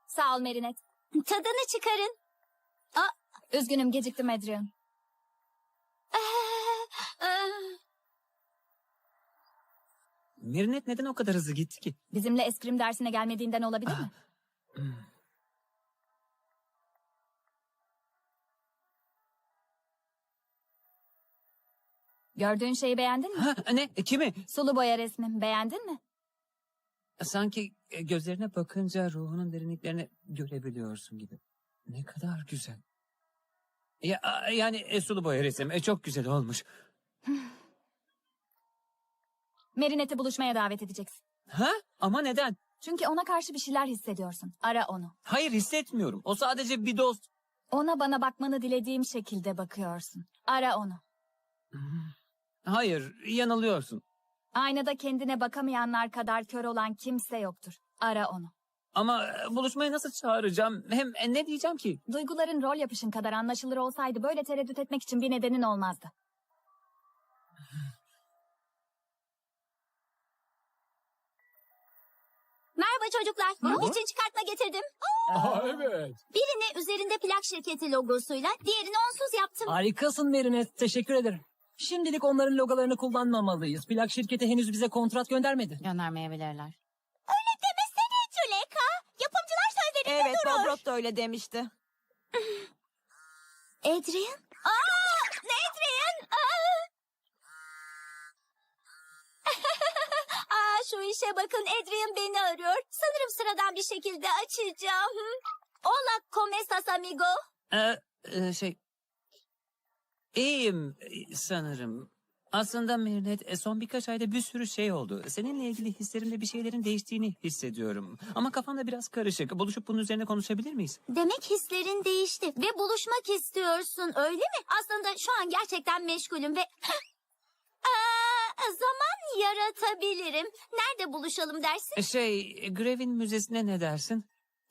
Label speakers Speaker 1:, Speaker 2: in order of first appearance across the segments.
Speaker 1: Sağ ol Merinet.
Speaker 2: Tadını çıkarın.
Speaker 1: Üzgünüm geciktim Adrian.
Speaker 3: Merinet neden o kadar hızlı gitti ki?
Speaker 1: Bizimle eskrim dersine gelmediğinden olabilir mi? Gördüğün şeyi beğendin mi?
Speaker 3: Ha, ne? Kimi?
Speaker 1: Sulu boya resmim. Beğendin mi?
Speaker 3: Sanki gözlerine bakınca ruhunun derinliklerini görebiliyorsun gibi. Ne kadar güzel. Yani sulu boya resim çok güzel olmuş.
Speaker 1: Merinet'i buluşmaya davet edeceksin.
Speaker 3: Ha? Ama neden?
Speaker 1: Çünkü ona karşı bir şeyler hissediyorsun. Ara onu.
Speaker 3: Hayır, hissetmiyorum. O sadece bir dost.
Speaker 1: Ona bana bakmanı dilediğim şekilde bakıyorsun. Ara onu.
Speaker 3: Hayır, yanılıyorsun.
Speaker 1: Aynada kendine bakamayanlar kadar kör olan kimse yoktur. Ara onu.
Speaker 3: Ama buluşmaya nasıl çağıracağım? Hem ne diyeceğim ki?
Speaker 1: Duyguların rol yapışın kadar anlaşılır olsaydı böyle tereddüt etmek için bir nedenin olmazdı.
Speaker 2: Merhaba çocuklar. Bunun için çıkartma getirdim.
Speaker 4: Evet.
Speaker 2: Birini üzerinde plak şirketi logosuyla, diğerini onsuz yaptım.
Speaker 4: Harikasın Merinet. Teşekkür ederim. Şimdilik onların logolarını kullanmamalıyız. Plak şirketi henüz bize kontrat göndermedi.
Speaker 5: Göndermeyebilirler.
Speaker 2: Öyle demesene Tüleka. Yapımcılar sözlerinde
Speaker 5: Evet,
Speaker 2: durur.
Speaker 5: Bob Rock da öyle demişti.
Speaker 2: Adrian? Adrian! Şu işe bakın, Adrian beni arıyor. Sanırım sıradan bir şekilde açacağım. Hola, ¿cómo estás, amigo?
Speaker 3: İyiyim sanırım. Aslında Merinet, son birkaç ayda bir sürü şey oldu. Seninle ilgili hislerimde bir şeylerin değiştiğini hissediyorum. Ama kafamda biraz karışık. Buluşup bunun üzerine konuşabilir miyiz?
Speaker 2: Demek hislerin değişti ve buluşmak istiyorsun, öyle mi? Aslında şu an gerçekten meşgulüm ve... zaman yaratabilirim. Nerede buluşalım dersin?
Speaker 3: Grevin Müzesi'ne ne dersin?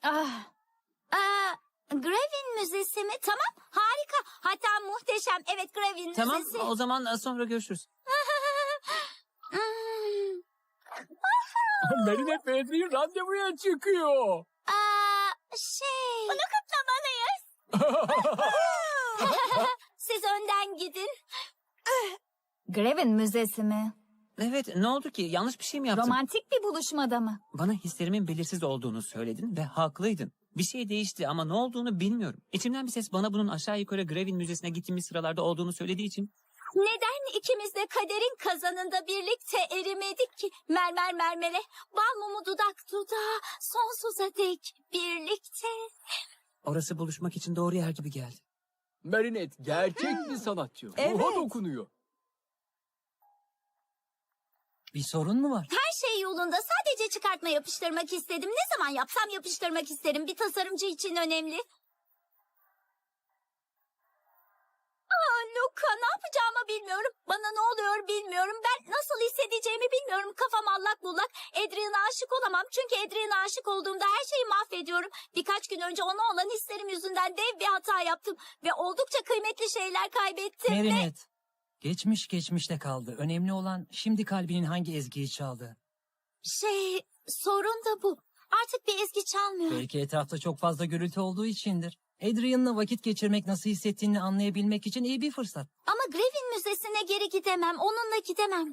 Speaker 2: Grevin Müzesi mi? Tamam, harika. Hatta muhteşem. Evet, Grevin
Speaker 3: Tamam,
Speaker 2: Müzesi.
Speaker 3: o zaman sonra görüşürüz.
Speaker 4: Merinet ve Adrian randevuya çıkıyor.
Speaker 2: Bunu kutlamalıyız. Siz önden gidin.
Speaker 1: Grevin Müzesi mi?
Speaker 3: Evet, ne oldu ki? Yanlış bir şey mi yaptım?
Speaker 1: Romantik bir buluşmada mı?
Speaker 3: Bana hislerimin belirsiz olduğunu söyledin ve haklıydın. Bir şey değişti ama ne olduğunu bilmiyorum. İçimden bir ses bana bunun aşağı yukarı Grevin Müzesi'ne gittiğimiz sıralarda olduğunu söylediği için...
Speaker 2: Neden ikimiz de kaderin kazanında birlikte erimedik ki? Mermer mermere, bal mumu dudak dudağa, sonsuza dek birlikte.
Speaker 3: Orası buluşmak için doğru yer gibi geldi.
Speaker 4: Merinet gerçek bir sanatçı.
Speaker 5: Evet.
Speaker 4: Ruha dokunuyor. Bir sorun mu var?
Speaker 2: Her şey yolunda, sadece çıkartma yapıştırmak istedim. Ne zaman yapsam yapıştırmak isterim. Bir tasarımcı için önemli. Luka, ne yapacağımı bilmiyorum. Bana ne oluyor bilmiyorum. Ben nasıl hissedeceğimi bilmiyorum. Kafam allak bullak. Adrian'a aşık olamam. Çünkü Adrian'a aşık olduğumda her şeyi mahvediyorum. Birkaç gün önce ona olan hislerim yüzünden dev bir hata yaptım. Ve oldukça kıymetli şeyler kaybettim.
Speaker 6: Merinet, geçmiş geçmişte kaldı. Önemli olan şimdi kalbinin hangi ezgiyi çaldığı.
Speaker 2: Sorun da bu. Artık bir ezgi çalmıyor.
Speaker 6: Belki etrafta çok fazla gürültü olduğu içindir. Adrian'la vakit geçirmek nasıl hissettiğini anlayabilmek için iyi bir fırsat.
Speaker 2: Ama Grevin Müzesi'ne geri gidemem. Onunla gidemem.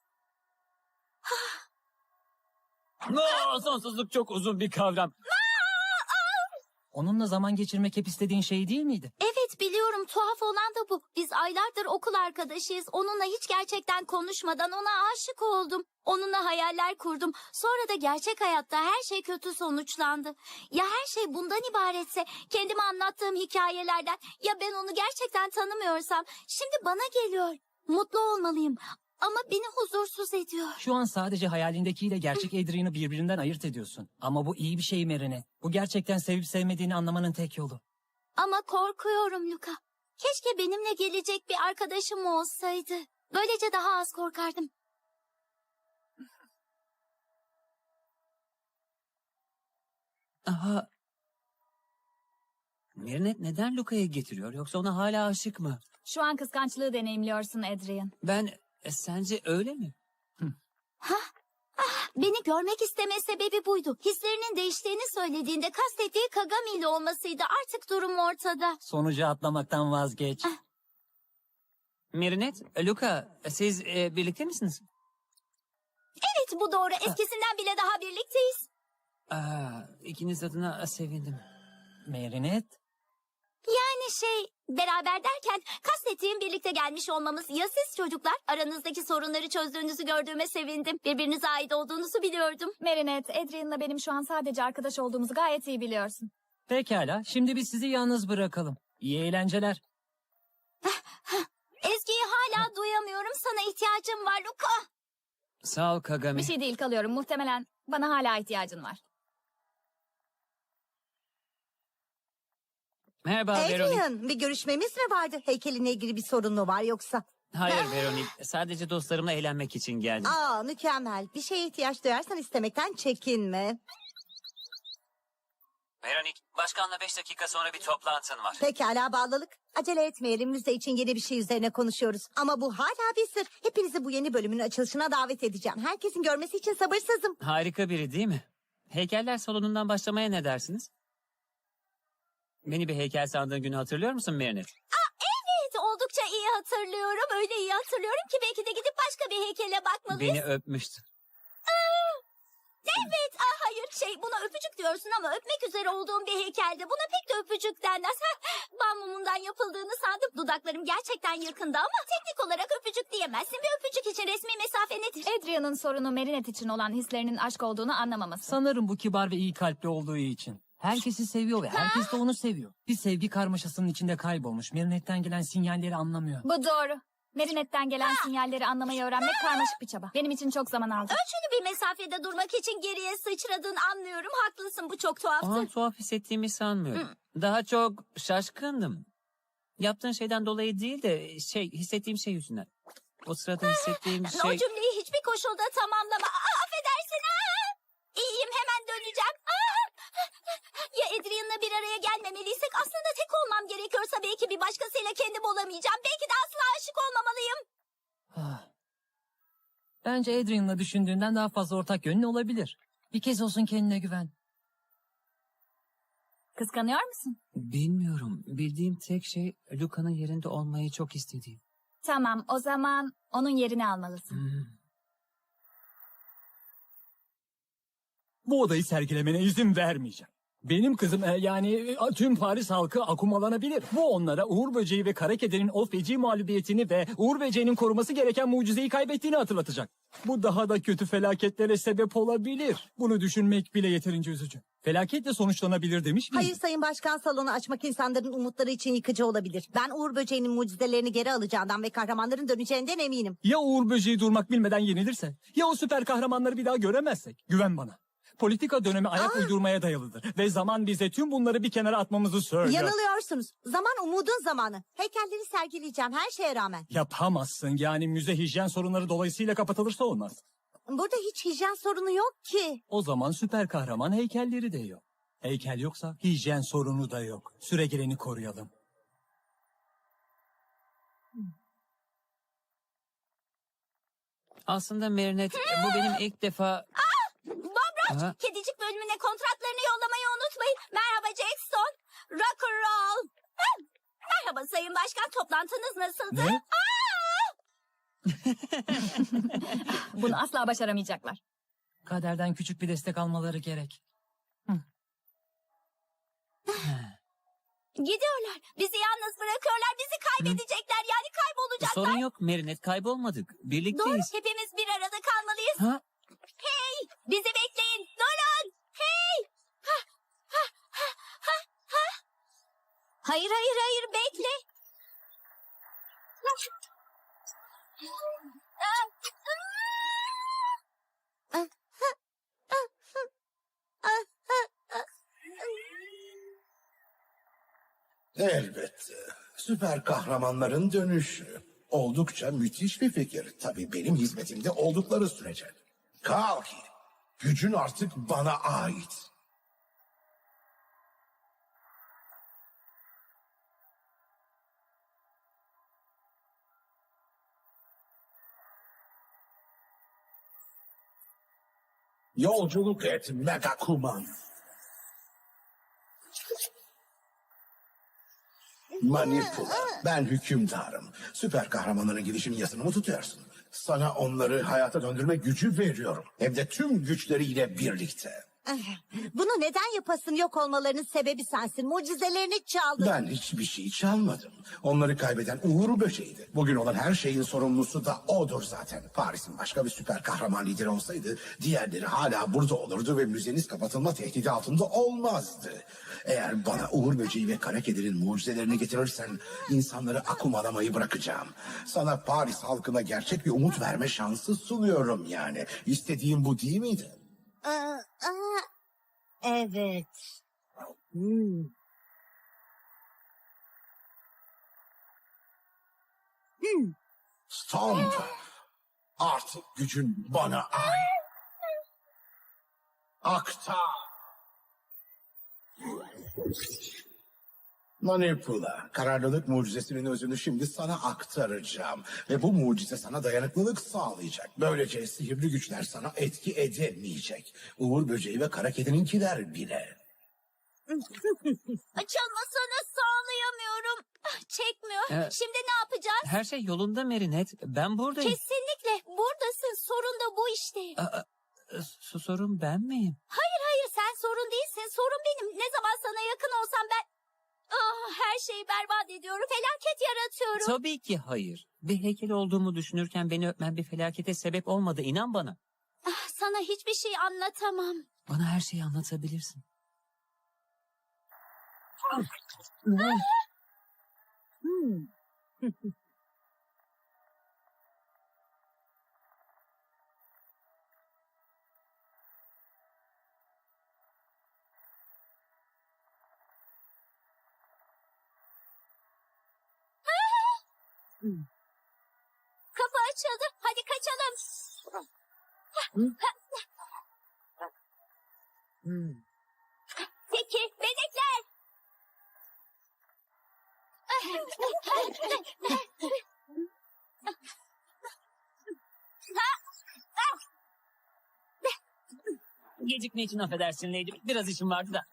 Speaker 3: Sonsuzluk çok uzun bir kavram.
Speaker 6: Onunla zaman geçirmek hep istediğin şey değil miydi?
Speaker 2: Evet, biliyorum, tuhaf olan da bu. Biz aylardır okul arkadaşıyız. Onunla hiç gerçekten konuşmadan ona aşık oldum. Onunla hayaller kurdum. Sonra da gerçek hayatta her şey kötü sonuçlandı. Ya her şey bundan ibaretse, kendime anlattığım hikayelerden, ya ben onu gerçekten tanımıyorsam, şimdi bana geliyor. Mutlu olmalıyım ama beni huzursuz ediyor.
Speaker 6: Şu an sadece hayalindekiyle gerçek Adrian'ı birbirinden ayırt ediyorsun. Ama bu iyi bir şey Merinet. Bu gerçekten sevip sevmediğini anlamanın tek yolu.
Speaker 2: Ama korkuyorum Luka. Keşke benimle gelecek bir arkadaşım olsaydı. Böylece daha az korkardım.
Speaker 3: Aha. Merinet neden Luka'ya getiriyor? Yoksa ona hala aşık mı?
Speaker 1: Şu an kıskançlığı deneyimliyorsun Adrian.
Speaker 3: Sence öyle mi?
Speaker 2: Beni görmek isteme sebebi buydu. Hislerinin değiştiğini söylediğinde kastettiği Kagami ile olmasıydı. Artık durum ortada.
Speaker 6: Sonucu atlamaktan vazgeç.
Speaker 3: Merinet, Luka, siz birlikte misiniz?
Speaker 2: Evet, bu doğru. Eskisinden bile daha birlikteyiz.
Speaker 3: İkiniz adına sevindim.
Speaker 6: Merinet,
Speaker 2: Yani beraber derken kastettiğim birlikte gelmiş olmamız. Ya siz çocuklar? Aranızdaki sorunları çözdüğünüzü gördüğüme sevindim. Birbirinize ait olduğunuzu biliyordum.
Speaker 1: Marinette, Adrian'la benim şu an sadece arkadaş olduğumuzu gayet iyi biliyorsun.
Speaker 6: pekala. Şimdi biz sizi yalnız bırakalım. İyi eğlenceler.
Speaker 2: Ezgi'yi hala duyamıyorum. Sana ihtiyacım var Luka.
Speaker 3: Sağ ol Kagami.
Speaker 1: Bir şey değil, kalıyorum. Muhtemelen bana hala ihtiyacın var.
Speaker 3: Merhaba Veronik.
Speaker 7: Adrian, bir görüşmemiz mi vardı? Heykelinle ilgili bir sorun mu var yoksa?
Speaker 3: Hayır Veronik, sadece dostlarımla eğlenmek için geldim.
Speaker 7: Aa, mükemmel. Bir şeye ihtiyaç duyarsan istemekten çekinme.
Speaker 3: Veronik, başkanla 5 dakika sonra bir toplantın var.
Speaker 7: Pekala bağlılık. Acele etmeyelim. Müze için yeni bir şey üzerine konuşuyoruz. Ama bu hala bir sır. Hepinizi bu yeni bölümün açılışına davet edeceğim. Herkesin görmesi için sabırsızım.
Speaker 3: Harika biri değil mi? Heykeller salonundan başlamaya ne dersiniz? Beni bir heykel sandığın günü hatırlıyor musun Merinet?
Speaker 2: Evet, oldukça iyi hatırlıyorum. Öyle iyi hatırlıyorum ki belki de gidip başka bir heykele bakmalıyız.
Speaker 3: Beni öpmüştü.
Speaker 2: Evet, hayır buna öpücük diyorsun ama öpmek üzere olduğum bir heykelde buna pek de öpücük denmez. Bal mumundan yapıldığını sandım. Dudaklarım gerçekten yakında ama teknik olarak öpücük diyemezsin. Bir öpücük için resmi mesafe nedir?
Speaker 1: Adrian'ın sorunu Marinette için olan hislerinin aşk olduğunu anlamaması.
Speaker 6: Sanırım bu kibar ve iyi kalpli olduğu için. Herkesi seviyor ve herkes de onu seviyor. Bir sevgi karmaşasının içinde kaybolmuş. Marinette'den gelen sinyalleri anlamıyor.
Speaker 1: Bu doğru. Marinette'den gelen sinyalleri anlamayı öğrenmek karmaşık bir çaba. Benim için çok zaman aldı.
Speaker 2: Ölçülü bir mesafede durmak için geriye sıçradığını anlıyorum. Haklısın, bu çok tuhaftı.
Speaker 3: Ama tuhaf hissettiğimi sanmıyorum. Daha çok şaşkındım. Yaptığın şeyden dolayı değil de hissettiğim şey yüzünden. O sırada hissettiğim
Speaker 2: O
Speaker 3: şey...
Speaker 2: cümleyi hiçbir koşulda tamamlama. Affedersin. İyiyim, hemen döneceğim. Ya Adrian'la bir araya gelmemeliysek aslında tek olmam gerekiyorsa belki bir başkasıyla kendim olamayacağım. Belki de asla aşık olmamalıyım.
Speaker 6: Ah. Bence Adrian'la düşündüğünden daha fazla ortak yönün olabilir. Bir kez olsun kendine güven.
Speaker 1: Kıskanıyor musun?
Speaker 3: Bilmiyorum. Bildiğim tek şey Luka'nın yerinde olmayı çok istediğim.
Speaker 1: Tamam, o zaman onun yerini almalısın.
Speaker 8: Bu odayı sergilemene izin vermeyeceğim. Benim kızım tüm Paris halkı akumalanabilir. Bu onlara Uğur Böceği ve Kara Kedi'nin o feci mağlubiyetini ve Uğur Böceği'nin koruması gereken mucizeyi kaybettiğini hatırlatacak. Bu daha da kötü felaketlere sebep olabilir. Bunu düşünmek bile yeterince üzücü. Felaketle sonuçlanabilir demiş miyim?
Speaker 7: Hayır Sayın Başkan, salonu açmak insanların umutları için yıkıcı olabilir. Ben Uğur Böceği'nin mucizelerini geri alacağından ve kahramanların döneceğinden eminim.
Speaker 8: Ya Uğur Böceği durmak bilmeden yenilirse? Ya o süper kahramanları bir daha göremezsek? Güven bana. Politika dönemi ayak uydurmaya dayalıdır. Ve zaman bize tüm bunları bir kenara atmamızı söylüyor.
Speaker 7: Yanılıyorsunuz. Zaman umudun zamanı. Heykelleri sergileyeceğim her şeye rağmen.
Speaker 8: Yapamazsın. Yani müze hijyen sorunları dolayısıyla kapatılırsa olmaz.
Speaker 7: Burada hiç hijyen sorunu yok ki.
Speaker 8: O zaman süper kahraman heykelleri de yok. Heykel yoksa hijyen sorunu da yok. Süregeleni koruyalım.
Speaker 3: Aslında Merinet, bu benim ilk defa...
Speaker 2: Bob
Speaker 3: Aha.
Speaker 2: kedicik bölümüne kontratlarını yollamayı unutmayın. Merhaba Jackson. Rock and roll. Merhaba Sayın Başkan, toplantınız nasıldı?
Speaker 8: Ne?
Speaker 1: Bunu asla başaramayacaklar.
Speaker 6: Kaderden küçük bir destek almaları gerek.
Speaker 2: Gidiyorlar. Bizi yalnız bırakıyorlar. Bizi kaybedecekler. Yani kaybolacaklar.
Speaker 3: Sorun yok Merinet, kaybolmadık.
Speaker 2: Doğru.
Speaker 3: Birlikteyiz.
Speaker 2: Hepimiz bir arada kalmalıyız.
Speaker 3: Ha?
Speaker 2: Hey! Bizi bekleyin. Durun. Hey! Hayır, hayır, hayır. Bekle.
Speaker 9: Elbette. Süper kahramanların dönüşü. Oldukça müthiş bir fikir. Tabii benim hizmetimde oldukları sürece. Kalki, gücün artık bana ait. Yolculuk et Megakuman. Manipula. Ben hükümdarım. Süper kahramanların gelişim yasını mı tutuyorsun? Sana onları hayata döndürme gücü veriyorum. Hem de tüm güçleriyle birlikte.
Speaker 7: Bunu neden yapasın? Yok olmalarının sebebi sensin. Mucizelerini çaldın.
Speaker 9: Ben hiçbir şey çalmadım. Onları kaybeden Uğur Böceği'ydi. Bugün olan her şeyin sorumlusu da odur zaten. Paris'in başka bir süper kahraman lideri olsaydı diğerleri hala burada olurdu ve müzeniz kapatılma tehdidi altında olmazdı. Eğer bana Uğur Böceği ve Kara Kedi'nin mucizelerini getirirsen insanları akumalamayı bırakacağım. Sana Paris halkına gerçek bir umut verme şansı sunuyorum yani. İstediğim bu değil miydi?
Speaker 7: Evet.
Speaker 9: Stomp. Artık gücün bana ait. Aktar. Manipula, kararlılık mucizesinin özünü şimdi sana aktaracağım. Ve bu mucize sana dayanıklılık sağlayacak. Böylece sihirli güçler sana etki edemeyecek. Uğur Böceği ve Kara Kedi'ninkiler bile.
Speaker 2: Açılmasını sağlayamıyorum. Çekmiyor. Şimdi ne yapacağız?
Speaker 3: Her şey yolunda Merinet. Ben buradayım.
Speaker 2: Kesinlikle. Buradasın. Sorun da bu işte.
Speaker 3: Sorun ben miyim?
Speaker 2: Hayır sen sorun değilsin. Sorun benim. Ne zaman sana yakın olsam ben... her şeyi berbat ediyorum. Felaket yaratıyorum.
Speaker 3: Tabii ki hayır. Bir heykel olduğumu düşünürken beni öpmen bir felakete sebep olmadı. İnan bana.
Speaker 2: Sana hiçbir şey anlatamam.
Speaker 3: Bana her şeyi anlatabilirsin.
Speaker 2: Kapı açıldı. Hadi kaçalım. Peki, benekler.
Speaker 3: Gecikme için affedersin Lady. Biraz işim vardı da.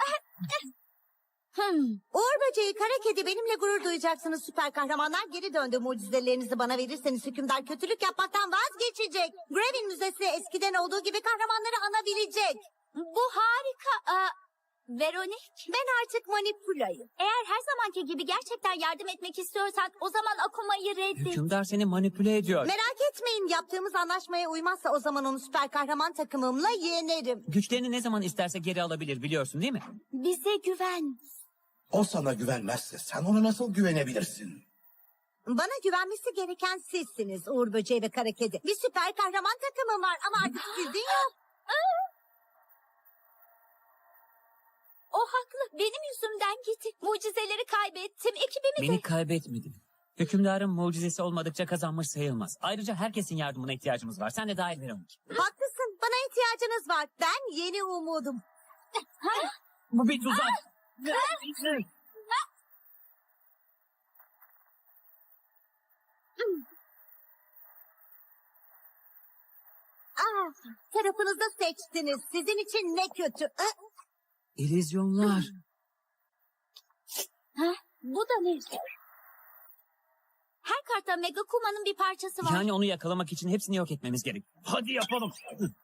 Speaker 7: Uğur Böceği, Kara Kedi, benimle gurur duyacaksınız süper kahramanlar. Geri döndü, mucizelerinizi bana verirseniz hükümdar kötülük yapmaktan vazgeçecek. Grevin Müzesi eskiden olduğu gibi kahramanları anabilecek.
Speaker 2: Bu harika. Veronik,
Speaker 7: Ben artık Manipula'yım.
Speaker 2: eğer her zamanki gibi gerçekten yardım etmek istiyorsan o zaman Akuma'yı reddet.
Speaker 3: Hükümdar seni manipüle ediyor.
Speaker 7: Merak etmeyin, yaptığımız anlaşmaya uymazsa o zaman onu süper kahraman takımımla yenerim.
Speaker 3: Güçlerini ne zaman isterse geri alabilir biliyorsun değil mi?
Speaker 2: Bize güven.
Speaker 9: O sana güvenmezse sen ona nasıl güvenebilirsin?
Speaker 7: Bana güvenmesi gereken sizsiniz Uğur Böceği ve Kara Kedi. Bir süper kahraman takımım var ama artık sizin yok.
Speaker 2: O haklı. Benim yüzümden gitti. Mucizeleri kaybettim. Ekibimi de...
Speaker 3: Beni kaybetmedin. Hükümdarın mucizesi olmadıkça kazanmış sayılmaz. Ayrıca herkesin yardımına ihtiyacımız var. Sen de dahil Veronik.
Speaker 7: Haklısın, bana ihtiyacınız var. Ben yeni umudum.
Speaker 3: Bu bir tuzak.
Speaker 7: Tarafınızı seçtiniz. Sizin için ne kötü.
Speaker 3: İllüzyonlar.
Speaker 2: Bu da ne? Her kartta Mega Kuma'nın bir parçası var.
Speaker 3: Yani onu yakalamak için hepsini yok etmemiz gerek. Hadi yapalım.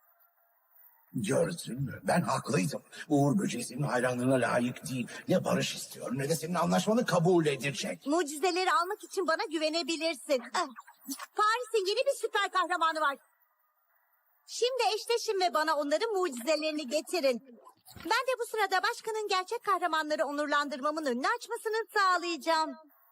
Speaker 9: Gördün mü? Ben haklıydım. Uğur Böceği senin hayranlığına layık değil. Ne barış istiyor ne de senin anlaşmanı kabul edecek.
Speaker 7: Mucizeleri almak için bana güvenebilirsin. Paris'in yeni bir süper kahramanı var. Şimdi eşleşin ve bana onların mucizelerini getirin. Ben de bu sırada başkanın gerçek kahramanları onurlandırmamın önünü açmasını sağlayacağım.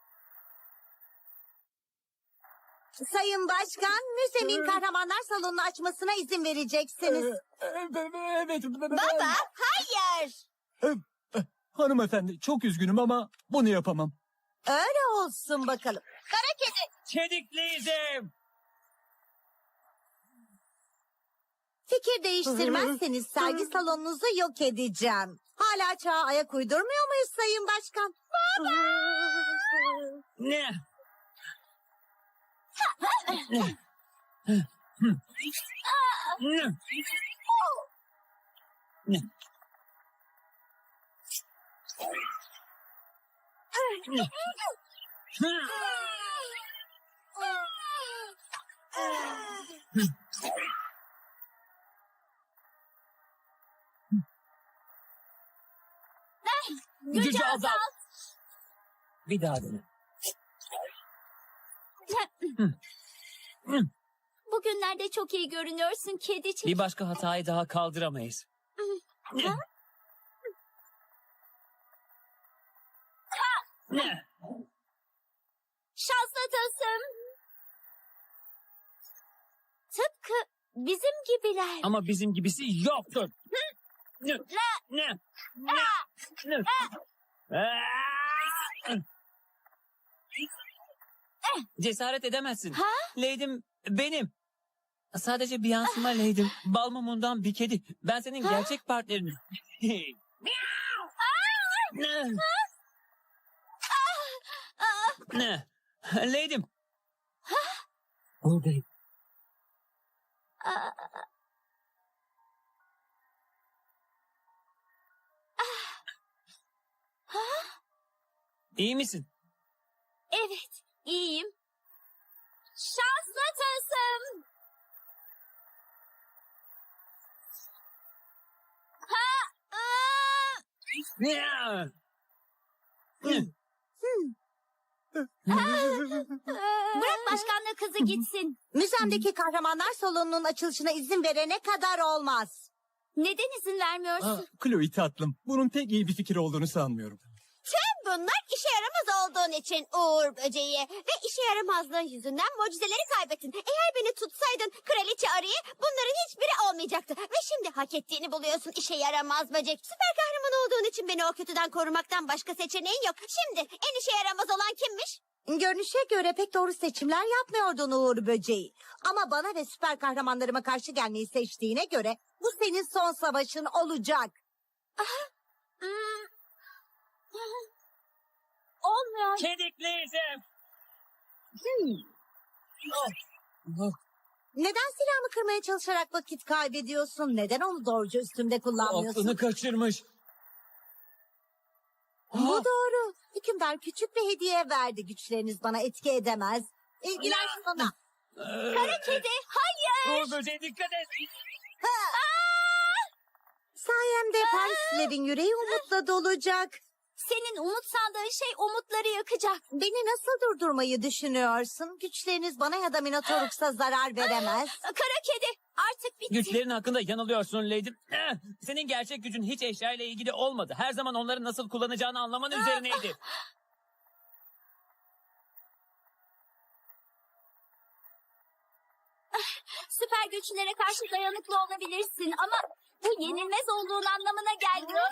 Speaker 7: Sayın Başkan, müzemin kahramanlar salonunu açmasına izin vereceksiniz.
Speaker 8: Evet.
Speaker 7: Baba, hayır.
Speaker 8: Hanımefendi, çok üzgünüm ama bunu yapamam.
Speaker 7: Öyle olsun bakalım. Kara Kedi.
Speaker 3: Çedikliydim.
Speaker 7: Fikir değiştirmezseniz sergi salonunuzu yok edeceğim. Hala çağa ayak uydurmuyor muyuz Sayın Başkan?
Speaker 3: Ne? Gücü azalt. Bir daha dene.
Speaker 2: Bugünlerde çok iyi görünüyorsun kedicik.
Speaker 3: Bir başka hatayı daha kaldıramayız.
Speaker 2: Şanslı tılsım. Tıpkı bizim gibiler.
Speaker 3: Ama bizim gibisi yoktur. Cesaret edemezsin.
Speaker 2: Ha?
Speaker 3: Leydim benim. Sadece bir yansıma Leydim. Bal mumundan bir kedi. Ben senin gerçek partnerinim. Ne? Leydim.
Speaker 8: Buradayım.
Speaker 3: İyi misin?
Speaker 2: Evet, iyiyim. Şanslı tılsım. Bırak başkanla kızı gitsin.
Speaker 7: Müzemdeki kahramanlar salonunun açılışına izin verene kadar olmaz.
Speaker 2: Neden izin vermiyorsun?
Speaker 8: Chloe tatlım, bunun pek iyi bir fikir olduğunu sanmıyorum.
Speaker 10: Bunlar işe yaramaz olduğun için Uğur Böceği ve işe yaramazlığın yüzünden mucizeleri kaybettin. Eğer beni tutsaydın kraliçe arıyı bunların hiçbiri olmayacaktı. Ve şimdi hak ettiğini buluyorsun işe yaramaz böcek. Süper kahraman olduğun için beni o kötüden korumaktan başka seçeneğin yok. Şimdi en işe yaramaz olan kimmiş?
Speaker 7: Görünüşe göre pek doğru seçimler yapmıyordun Uğur Böceği. Ama bana ve süper kahramanlarıma karşı gelmeyi seçtiğine göre bu senin son savaşın olacak.
Speaker 2: Olmuyor.
Speaker 3: Kedikliyizim.
Speaker 7: Neden silahımı kırmaya çalışarak vakit kaybediyorsun? Neden onu doğruca üstümde kullanmıyorsun?
Speaker 3: Aklını kaçırmış.
Speaker 7: Bu doğru. Hükümdar küçük bir hediye verdi. Güçleriniz bana etki edemez. İlgilen sana.
Speaker 2: Kara kedi, hayır.
Speaker 3: Uğur böceği dikkat et.
Speaker 7: Sayemde Parislilerin yüreği umutla dolacak.
Speaker 2: Senin umut sandığın şey umutları yakacak.
Speaker 7: Beni nasıl durdurmayı düşünüyorsun? Güçleriniz bana ya da Minotaurus'a zarar veremez.
Speaker 2: Kara kedi, artık bitti.
Speaker 3: Güçlerin hakkında yanılıyorsun Leydim. Senin gerçek gücün hiç eşyayla ilgili olmadı. Her zaman onları nasıl kullanacağını anlaman üzerineydi.
Speaker 2: Süper güçlere karşı dayanıklı olabilirsin ama bu yenilmez olduğun anlamına gelmiyor.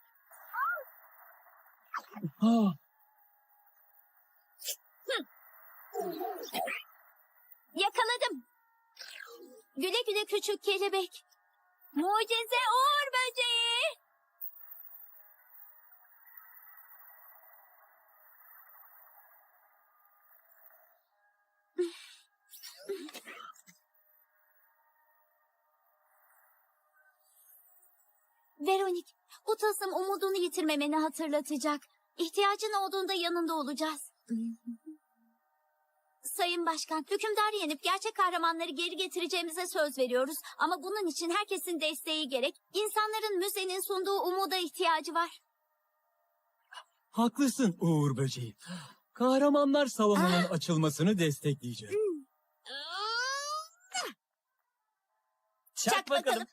Speaker 2: Yakaladım. Güle güle küçük kelebek. Mucize Uğur Böceği. Veronik, bu tılsım umudunu yitirmemeni hatırlatacak. İhtiyacın olduğunda yanında olacağız. Sayın Başkan, hükümdarı yenip gerçek kahramanları geri getireceğimize söz veriyoruz. Ama bunun için herkesin desteği gerek. İnsanların müzenin sunduğu umuda ihtiyacı var.
Speaker 8: Haklısın Uğur Böceği. Kahramanlar salonunun açılmasını destekleyeceğim.
Speaker 3: Çak bakalım.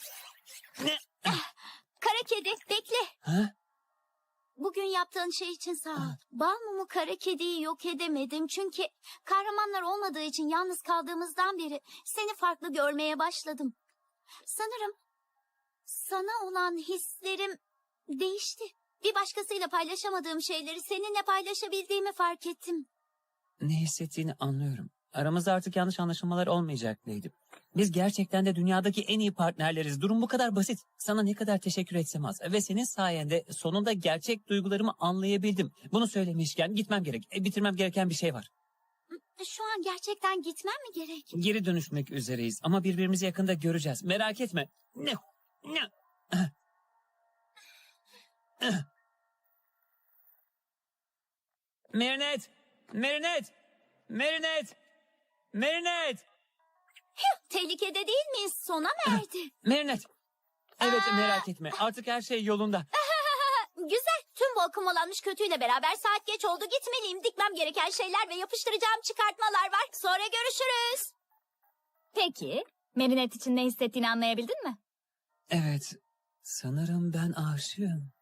Speaker 2: Kara kedi, bekle.
Speaker 3: Ha?
Speaker 2: Bugün yaptığın şey için sağ ol. Bal mumu kara kediyi yok edemedim. Çünkü kahramanlar olmadığı için yalnız kaldığımızdan beri seni farklı görmeye başladım. Sanırım sana olan hislerim değişti. Bir başkasıyla paylaşamadığım şeyleri seninle paylaşabildiğimi fark ettim.
Speaker 3: Ne hissettiğini anlıyorum. Aramızda artık yanlış anlaşılmalar olmayacak Leydim. Biz gerçekten de dünyadaki en iyi partnerleriz. Durum bu kadar basit. Sana ne kadar teşekkür etsem az. Ve senin sayende sonunda gerçek duygularımı anlayabildim. Bunu söylemişken gitmem gerek. Bitirmem gereken bir şey var.
Speaker 2: Şu an gerçekten gitmem mi gerek?
Speaker 3: Geri dönüşmek üzereyiz ama birbirimizi yakında göreceğiz. Merak etme. Ne? Merinet! Merinet! Merinet! Merinet!
Speaker 2: Tehlikede değil miyiz? Sona mı erdi?
Speaker 3: Merinet! Evet, merak etme. Artık her şey yolunda.
Speaker 2: Güzel. Tüm bu akımolanmış kötüyle beraber saat geç oldu. Gitmeliyim. Dikmem gereken şeyler ve yapıştıracağım çıkartmalar var. Sonra görüşürüz.
Speaker 1: Peki, Merinet için ne hissettiğini anlayabildin mi?
Speaker 3: Evet, sanırım ben aşığım.